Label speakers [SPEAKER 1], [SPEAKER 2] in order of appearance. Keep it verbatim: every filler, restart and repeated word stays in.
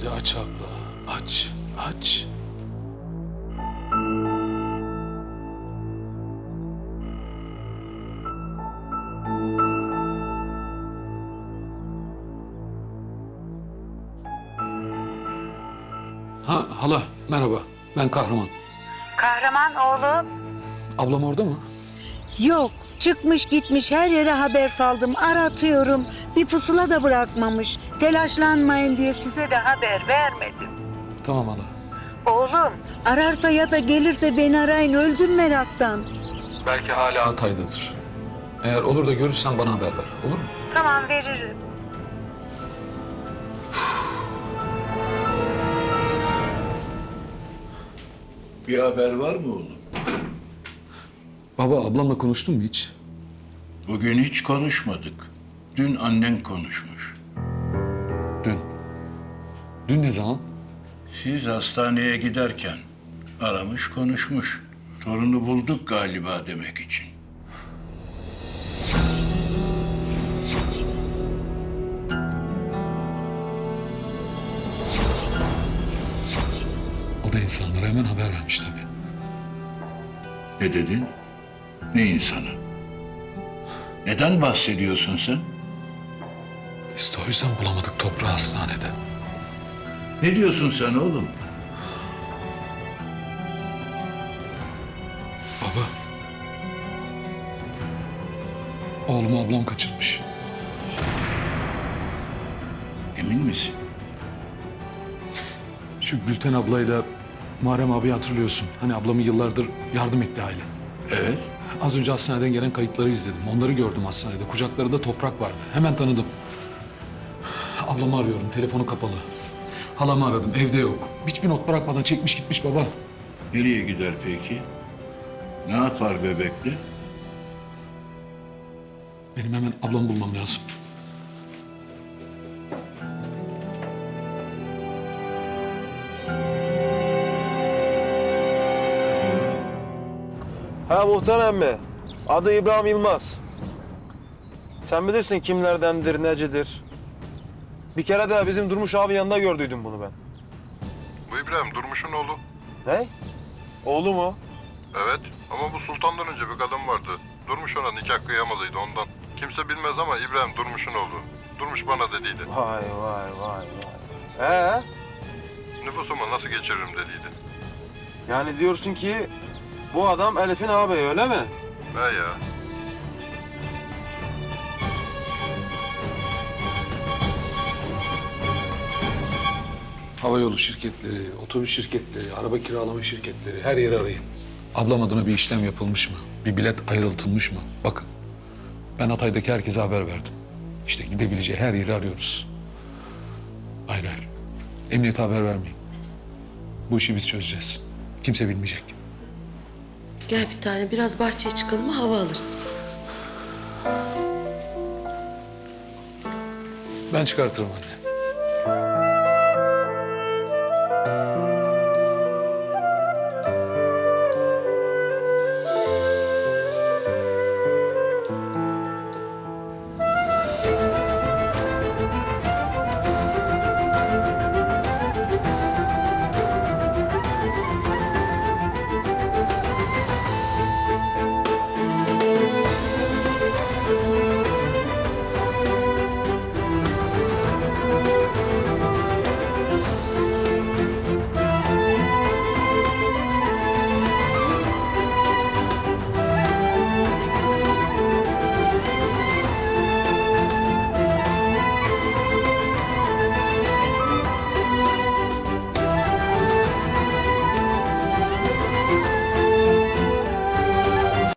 [SPEAKER 1] Hadi aç abla. Aç. Aç. Ha hala merhaba. Ben Kahraman.
[SPEAKER 2] Kahraman oğlum.
[SPEAKER 1] Ablam orada mı?
[SPEAKER 2] Yok, çıkmış gitmiş, her yere haber saldım, aratıyorum. Bir pusula da bırakmamış. Telaşlanmayın diye size de haber vermedim.
[SPEAKER 1] Tamam hala.
[SPEAKER 2] Oğlum, ararsa ya da gelirse beni arayın, öldüm meraktan.
[SPEAKER 1] Belki hala Hatay'dadır. Eğer olur da görürsen bana haber ver. Olur mu?
[SPEAKER 2] Tamam, veririm.
[SPEAKER 3] Bir haber var mı oğlum?
[SPEAKER 1] Baba ablamla konuştun mu hiç?
[SPEAKER 3] Bugün hiç konuşmadık. Dün annen konuşmuş.
[SPEAKER 1] Dün. Dün ne zaman?
[SPEAKER 3] Siz hastaneye giderken aramış konuşmuş. Torunu bulduk galiba demek için.
[SPEAKER 1] O da insanlara hemen haber vermiş tabii.
[SPEAKER 3] Ne dedin? Ne insanı? Neden bahsediyorsun sen?
[SPEAKER 1] Biz de o yüzden bulamadık toprağı hastanede.
[SPEAKER 3] Ne diyorsun sen oğlum?
[SPEAKER 1] Baba. Oğlumu ablam kaçırmış.
[SPEAKER 3] Emin misin?
[SPEAKER 1] Şu Gülten ablayla Muharrem abi hatırlıyorsun. Hani ablamı yıllardır yardım etti aile.
[SPEAKER 3] Evet.
[SPEAKER 1] Az önce hastaneden gelen kayıtları izledim. Onları gördüm hastanede. Kucaklarında toprak vardı. Hemen tanıdım. Ablamı arıyorum. Telefonu kapalı. Halamı aradım. Evde yok. Hiçbir not bırakmadan çekmiş gitmiş baba.
[SPEAKER 3] Nereye gider peki? Ne yapar bebekle?
[SPEAKER 1] Benim hemen ablamı bulmam lazım.
[SPEAKER 4] Ha muhtar emmi. Adı İbrahim Yılmaz. Sen bilirsin kimlerdendir, necidir. Bir kere de bizim Durmuş abi yanında gördüydüm bunu ben.
[SPEAKER 5] Bu İbrahim Durmuş'un oğlu.
[SPEAKER 4] Ne? Oğlu mu?
[SPEAKER 5] Evet ama bu Sultan'dan önce bir kadın vardı. Durmuş ona nikah kıyamalıydı ondan. Kimse bilmez ama İbrahim Durmuş'un oğlu. Durmuş bana dediydi.
[SPEAKER 4] Vay vay vay vay. Ee?
[SPEAKER 5] Nüfusumu nasıl geçiririm dediydi.
[SPEAKER 4] Yani diyorsun ki bu adam Elif'in ağabeyi öyle mi?
[SPEAKER 5] He ya.
[SPEAKER 1] Havayolu şirketleri, otobüs şirketleri, araba kiralama şirketleri her yeri arayın. Ablam adına bir işlem yapılmış mı? Bir bilet ayrıltılmış mı? Bakın. Ben Hatay'daki herkese haber verdim. İşte gidebileceği her yeri arıyoruz. Hayır hayır. Emniyete haber vermeyin. Bu işi biz çözeceğiz. Kimse bilmeyecek.
[SPEAKER 6] Gel bir tane biraz bahçeye çıkalım, hava alırsın.
[SPEAKER 1] Ben çıkartırım anne.